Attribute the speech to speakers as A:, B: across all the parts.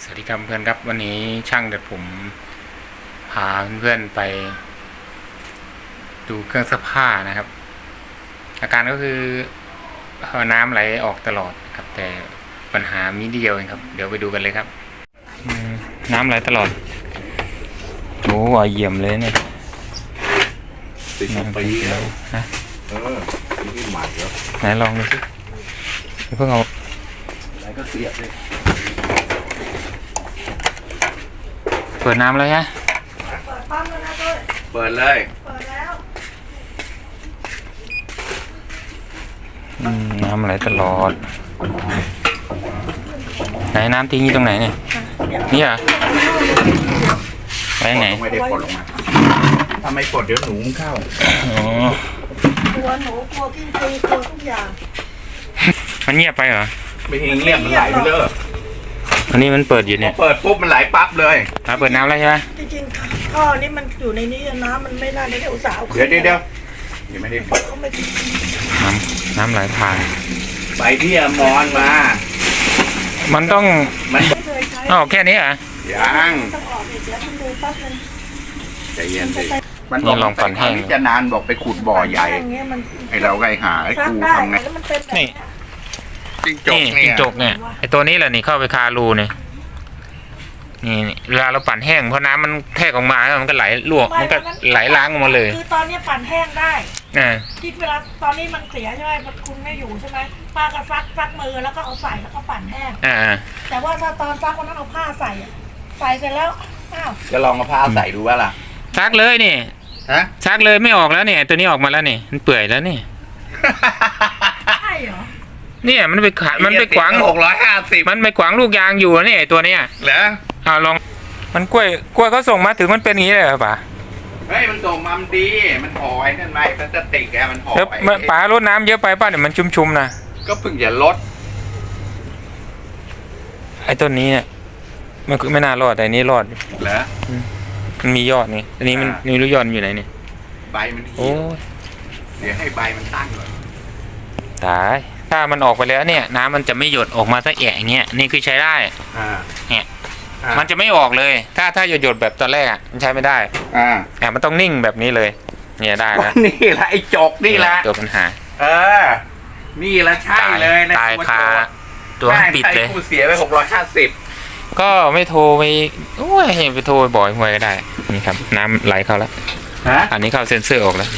A: สวัสดีครับเพื่อนครับวันนี้ช่างเด็ดผมพาเพื่อนไปดูเครื่องซักผ้านะครับอาการก็คือน้ำไหลออกตลอดครับแต่ปัญหามีเดียวเองครับเดี๋ยวไปดูกันเลยครับน้ำไหลตลอดโอ้ยเยี่ยมเลยเนี่ย
B: 12 ปีแล้ว
A: นะ
B: นี่ใหม่แล้ว
A: ไหนลองดูสิเพิ่งเอา
B: อะไรก็เสียบเลย
A: เปิดน้ำแล้วฮะ
C: เปิดปั๊มแล้วนะด้วย
B: เปิดเลย
C: เปิดแล้ว
A: น้ำไหลตลอดไหนน้ำทิ้งอยู่ตรงไหนเนี่ยนี่เหรอไปไหน
B: ไม่ได้กดลงมาถ้าไม่กดเดี๋ยวหนูเข้า
A: อ๋อก
C: ลัวหนูกลัวกิ้งกือกลัวทุกอย่าง
A: มันเงียบไปเหรอ
B: ไม่เห็นเรียบมันไหลไปเลย
A: อันนี้มันเปิดอยู่เนี่ย
B: เปิดปุ๊บมันไหลปั๊บเลย
A: เปิดน้ำแล้วใช่ไหม
C: จริงๆท่อนี้มันอยู่ในนี้น้ำมันไม่น่าได้อุตส่าห์
B: เดี๋ยวยังไม่ได้เปิด
A: น้ำไหลผ่าน
B: ไปที่อมรมา
A: มันต้อง
B: มัน
C: ไม่เคยใช้
A: อ๋อแค่นี้เหรอ
B: ยัง
C: ต้องออกเดี๋ยวมันดูปั๊บนึง
B: ใจเย็นสิมันลองปั่นแห้งจะนานบอกไปขุดบ่อใหญ่ไอเราไงหาไอกูทำไง
A: นี่
B: จิ้งจก
A: เนี่ยไอตัวนี้แหละนี่เข้าไปคารูเนี่ยนี่เวลาเราปั่นแห้งเพราะน้ำมันแทกออกมาแล้วมันก็ไหลลวกมันก็ไหลล้างออกมาเลย
C: คือตอนนี้ปั่นแห้งได้
A: คิ
C: ดเวลาตอนนี้มันเสียใช่ไหมคุณไม่อยู่ใช่ไหมป้าก็ซักมือแล้วก็เอาใส่แล้วก็ปั่นแห้งแต่ว่าถ้าตอนซักวันนั้นเอาผ้าใส่เสร็จแล้ว
B: จะลองเอาผ้าใส่ดูว่าล่ะ
A: ซักเลยนี่ซักเลยไม่ออกแล้วเนี่ยตัวนี้ออกมาแล้วนี่มันเปื่อยแล้วนี่
C: ใช่เหรอ
A: เนี่ยมันไปขวาง
B: 650
A: มันไปขวางลูกยางอยู่นี่ตัวเนี้ย
B: เหรอ
A: ลองมันกล้วยเขาส่งมาถึงมันเป็นอย่างนี้เลยเหรอป๋า
B: เฮ้ยมันส่งมาดีมันห่อไอ้นั่นไว้พลาสติกแกมันห่อไ
A: ว้ป๋ารดน้ำเยอะไปป่ะเนี่ยมันชุ่มๆนะ
B: ก็เพิ่งจะลด
A: ไอ้ต้นนี้เนี่ยมันไม่น่ารอดแต่นี้รอด
B: เหรอ
A: มันมียอดนี่อันนี้มันมีลูกยอดอยู่ไหนนี่
B: ใบมันโอ้เดี๋ยวให้ใบมันตั้งก่อน
A: ตายถ้ามันออกไปแล้วเนี่ยน้ำมันจะไม่หยดออกมาสักแอะอย่างเงี้ยนี่คือใช้ได้เนี่ยมันจะไม่ออกเลยถ้าหยดแบบตอนแรกมันใช้ไม่ได้มันต้องนิ่งแบบนี้เลยเนี่ยได้นะ
B: นี่แหละไอ้จกนี่แหละ
A: ตัวปัญหา
B: นี่แหละใช่เลยนะ
A: ตายคาตัวปิดเลย
B: ผู้เสียไป650
A: ก็ไม่โทรไปโอ้ยไปโทรบ่อยหวยก็ได้นี่ครับน้ำไหลเข้าแล้วอันนี้เข้าเซ็นเซอร์ออกแล้ว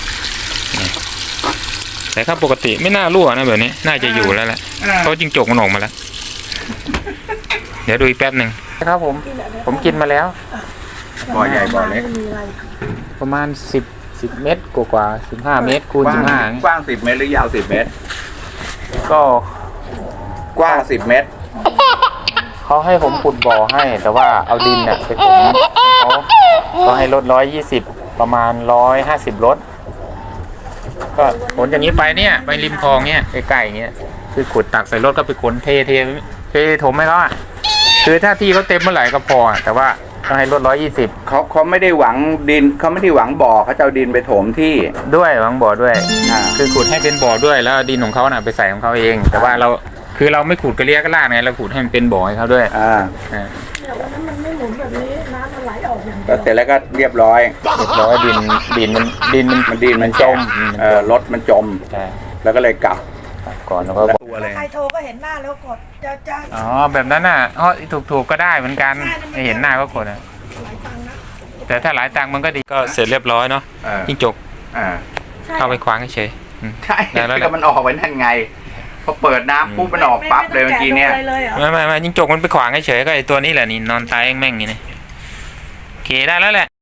A: แต่ถ้าปกติไม่น่ารั่วนะแบบนี้น่าจะอยู่แล้วแหละเพราะจิ้งจกมันออกมาแล้วเดี๋ยวดูอีกแป๊บหนึ่งครับผมกินมาแล้ว
B: บ่อใหญ่บ่อเล็ก
A: ประมาณ10 เมตรกว่า15 เมตรคูณ15
B: กว้าง10 เมตรหรือยาว10 เมตร
A: ก็
B: กว้าง10 เมตร
A: เขาให้ผมขุดบ่อให้แต่ว่าเอาดินเนี่ยไปถมเขาให้ลด120ประมาณ150ลดก็ขนอย่างนี้ไปเนี่ยไปริมคลองเนี่ยใกล้ๆอย่างเงี้ยคือขุดตักใส่รถก็ไปขนเทถมให้เขาอ่ะคือถ้าที่เขาเต็มเมื่อไหร่ก็พอแต่ว่าต้องให้ลด120
B: เขาไม่ได้หวังดินเขาไม่ได้หวังบ่อเขาจะเอาดินไปถมที่
A: ด้วยหวังบ่อด้วยคือขุดให้เป็นบ่อด้วยแล้วดินของเขาน่ะไปใส่ของเขาเองแต่ว่าเราไม่ขุดกระเลียกระลาดไงเราขุดให้มันเป็นบ่อให้เขาด้วย
C: วันนั้นมันไม่หมุนแบบนี้น้ำมันไหลออกอย่าง
B: เสร็จแล้วก็เรียบร้อย
A: ดินมันจม
B: รถมันจมแล้วก็เลยกลับ
A: ก่อนแล้วก็
C: ใครโทรก็เห็นหน้าแล้วกดจะ
A: แบบนั้นน่ะถูกก็ได้เหมือนกันไม่เห็นหน้าก็กดนะแต่ถ้าหลายตังค์มันก็ดีก็เสร็จเรียบร้อยเนาะจิ้งจกเข้าไปคว้างเฉย
B: ใช่แล้วมันออกไปนั่นไงพอเปิดน้ำปุ๊บมันออกปั๊บเลยเมื่อกี้เนี่ย
A: ไม่จิ้งจกมันไปขวางเฉยก็ไอตัวนี้แหละนี่นอนตายแม่งอย่างนี้โอเคได้แล้วแหละ